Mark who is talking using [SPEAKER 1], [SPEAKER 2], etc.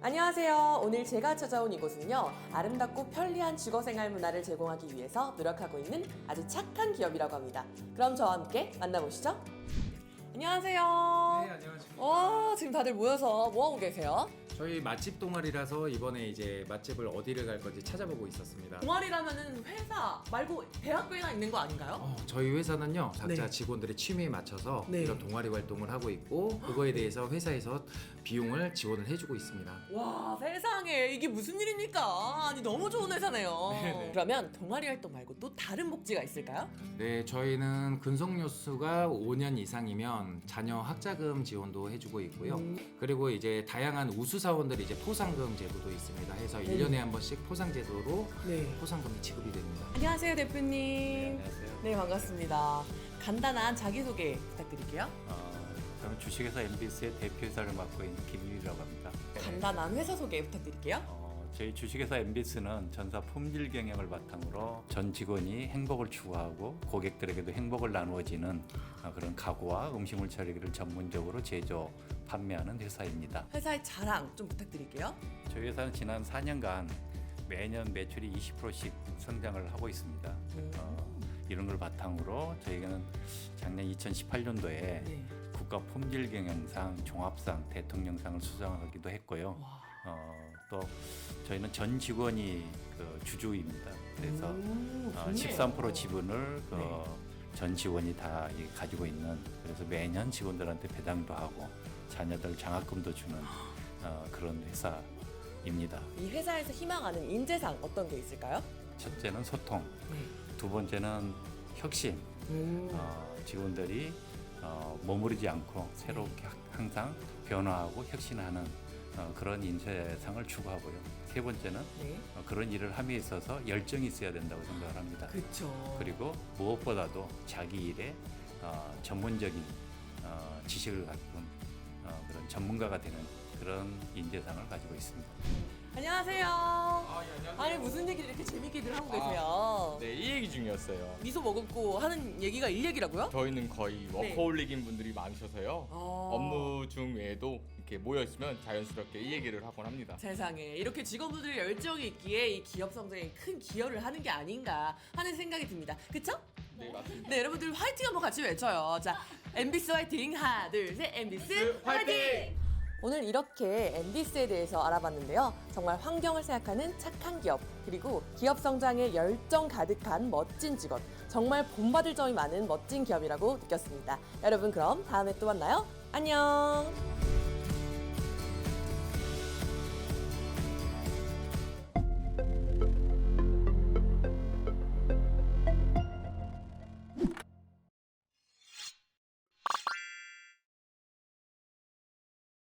[SPEAKER 1] 안녕하세요. 오늘 제가 찾아온 이곳은요, 아름답고 편리한 주거생활 문화를 제공하기 위해서 노력하고 있는 아주 착한 기업이라고 합니다. 그럼 저와 함께 만나보시죠. 안녕하세요.
[SPEAKER 2] 네, 안녕하십니까.
[SPEAKER 1] 지금 다들 모여서 뭐하고 계세요?
[SPEAKER 2] 저희 맛집 동아리라서 이번에 이제 맛집을 어디를 갈 건지 찾아보고 있었습니다.
[SPEAKER 1] 동아리라면은 회사 말고 대학교에나 있는 거 아닌가요?
[SPEAKER 2] 저희 회사는요, 각자
[SPEAKER 1] 네.
[SPEAKER 2] 직원들의 취미에 맞춰서
[SPEAKER 1] 네.
[SPEAKER 2] 이런 동아리 활동을 하고 있고, 그거에 대해서 회사에서 비용을 지원을 해주고 있습니다.
[SPEAKER 1] 와, 세상에 이게 무슨 일입니까? 아니 너무 좋은 회사네요.
[SPEAKER 2] 네네.
[SPEAKER 1] 그러면 동아리 활동 말고 또 다른 복지가 있을까요?
[SPEAKER 2] 네, 저희는 근속연수가 5년 이상이면 자녀 학자금 지원도 해주고 있고요. 그리고 이제 다양한 우수사원들이 이제 포상금 제도도 있습니다. 해서 1년에 한 번씩 포상 제도로
[SPEAKER 1] 네.
[SPEAKER 2] 포상금이 지급이 됩니다.
[SPEAKER 1] 안녕하세요, 대표님.
[SPEAKER 3] 안녕하세요.
[SPEAKER 1] 네, 반갑습니다. 간단한 자기소개 부탁드릴게요.
[SPEAKER 3] 저는 주식회사 MBS의 대표이사를 맡고 있는 김유희라고 합니다.
[SPEAKER 1] 간단한 회사 소개 부탁드릴게요.
[SPEAKER 3] 저희 주식회사 MBS는 전사 품질 경영을 바탕으로 전 직원이 행복을 추구하고 고객들에게도 행복을 나누어지는 그런 가구와 음식물 처리기를 전문적으로 제조, 판매하는 회사입니다.
[SPEAKER 1] 회사의 자랑 좀 부탁드릴게요.
[SPEAKER 3] 저희 회사는 지난 4년간 매년 매출이 20%씩 성장을 하고 있습니다. 이런 걸 바탕으로 저희는 작년 2018년도에
[SPEAKER 1] 네.
[SPEAKER 3] 국가 품질 경영상 종합상 대통령상을 수상하기도 했고요. 또 저희는 전 직원이 그 주주입니다. 그래서
[SPEAKER 1] 좋네요.
[SPEAKER 3] 13% 지분을
[SPEAKER 1] 네.
[SPEAKER 3] 전 직원이 다 가지고 있는, 그래서 매년 직원들한테 배당도 하고 자녀들 장학금도 주는 그런 회사입니다.
[SPEAKER 1] 이 회사에서 희망하는 인재상 어떤 게 있을까요?
[SPEAKER 3] 첫째는 소통,
[SPEAKER 1] 네.
[SPEAKER 3] 두 번째는 혁신. 직원들이 머무르지 않고 새롭게 항상 변화하고 혁신하는 그런 인재상을 추구하고요. 세 번째는
[SPEAKER 1] 네.
[SPEAKER 3] 그런 일을 함에 있어서 열정이 있어야 된다고 생각을 합니다.
[SPEAKER 1] 그쵸.
[SPEAKER 3] 그리고 무엇보다도 자기 일에 전문적인 지식을 갖춘 그런 전문가가 되는 그런 인재상을 가지고 있습니다.
[SPEAKER 1] 안녕하세요.
[SPEAKER 4] 예, 안녕하세요.
[SPEAKER 1] 아니 무슨 얘기를 이렇게 재밌게들 하고 계세요?
[SPEAKER 4] 네, 이 얘기 중이었어요.
[SPEAKER 1] 미소 머금고 하는 얘기가 일 얘기라고요?
[SPEAKER 4] 저희는 거의
[SPEAKER 1] 네.
[SPEAKER 4] 워커홀릭인 분들이 많으셔서요.
[SPEAKER 1] 아.
[SPEAKER 4] 업무 중 외에도 이렇게 모여 있으면 자연스럽게 이 얘기를 하곤 합니다.
[SPEAKER 1] 세상에 이렇게 직원분들의 열정이 있기에 이 기업 성장에 큰 기여를 하는 게 아닌가 하는 생각이 듭니다. 그쵸?
[SPEAKER 4] 네, 맞습니다.
[SPEAKER 1] 네, 여러분들 화이팅 한번 같이 외쳐요. 자, MBS 화이팅! 하나, 둘, 셋, MBS 화이팅! 오늘 이렇게 MBS에 대해서 알아봤는데요. 정말 환경을 생각하는 착한 기업, 그리고 기업 성장에 열정 가득한 멋진 직원, 정말 본받을 점이 많은 멋진 기업이라고 느꼈습니다. 여러분 그럼 다음에 또 만나요. 안녕!